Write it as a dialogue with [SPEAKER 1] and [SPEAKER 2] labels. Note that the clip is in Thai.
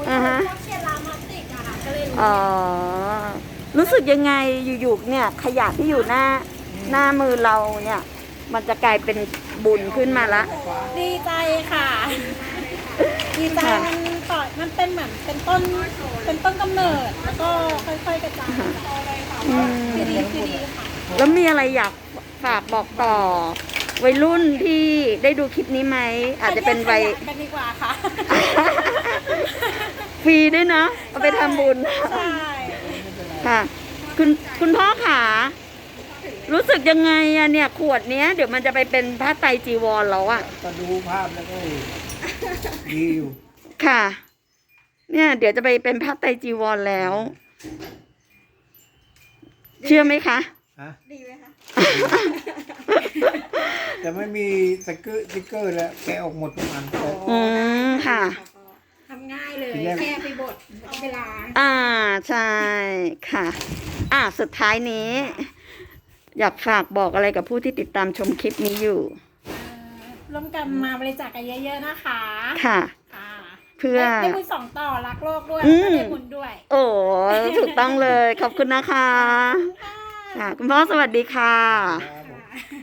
[SPEAKER 1] อ่าฮะ
[SPEAKER 2] พวกเชียร์รามาติกอะค่ะก็เลยรู้
[SPEAKER 1] อ๋อ รู้สึกยังไงอยู่ๆเนี่ยขยะที่อยู่หน้ามือเราเนี่ย มันจะกลายเป็นบุญขึ้นมาละ
[SPEAKER 2] ดีใจค่ะ ดีใจ
[SPEAKER 1] ค่ะ
[SPEAKER 2] มันเป็นเหมือนเป็นต้นกำเนิดแล้วก็ค่อยๆกระจาย
[SPEAKER 1] อืม
[SPEAKER 2] คือดีค่ะ
[SPEAKER 1] แล้วมีอะไรอยากฝากบอกต่อ วัยรุ่นที่ได้ดูคลิปนี้ไหม อาจจะเป็นวัย
[SPEAKER 2] แยกขยะกันดีกว่าค่ะ
[SPEAKER 1] ฟรีด้วยนะเอาไปทำบุญ
[SPEAKER 2] ใช่
[SPEAKER 1] ค่ะ คุณพ่อขารู้สึกยังไงอะเนี่ย ขวดเนี้ยเดี๋ยวมันจะไปเป็นผ้าไตรจีวรแล้วอะ
[SPEAKER 3] ก็ดูภาพแล้วก็ดีอยู่
[SPEAKER 1] ค่ะ เนี่ย เดี๋ยวจะไปเป็นผ้าไตรจีวรแล้ว เชื่อไหมคะ
[SPEAKER 3] ฮะ
[SPEAKER 2] ดีไหมคะ
[SPEAKER 3] แต่ไม่มีสติ๊กเกอร์แล้วแกะออกหมดทุกอันแต่
[SPEAKER 1] อืมค่ะ
[SPEAKER 2] ทำง่ายเลย
[SPEAKER 3] ทีแรก
[SPEAKER 2] แค่ไปบดเอาเวลา
[SPEAKER 1] ใช่ค่ะ สุดท้ายนี้ อยากฝากบอกอะไรกับผู้ที่ติดตามชมคลิปนี้อยู่
[SPEAKER 2] ร่วมกันมาบริจาคกันเยอะๆนะคะ
[SPEAKER 1] ค่ะ
[SPEAKER 2] ค่ะ
[SPEAKER 1] เพื่อ
[SPEAKER 2] ได้บุญสองต่อรักโลกด้วย
[SPEAKER 1] อื
[SPEAKER 2] แล้ว
[SPEAKER 1] ม
[SPEAKER 2] ก็ได้บุญด้วย
[SPEAKER 1] โอ้ถูกต้องเลย ขอบคุณนะคะ ค่ะ คุณพ่อสวัสดีค่ะ
[SPEAKER 3] ครับผม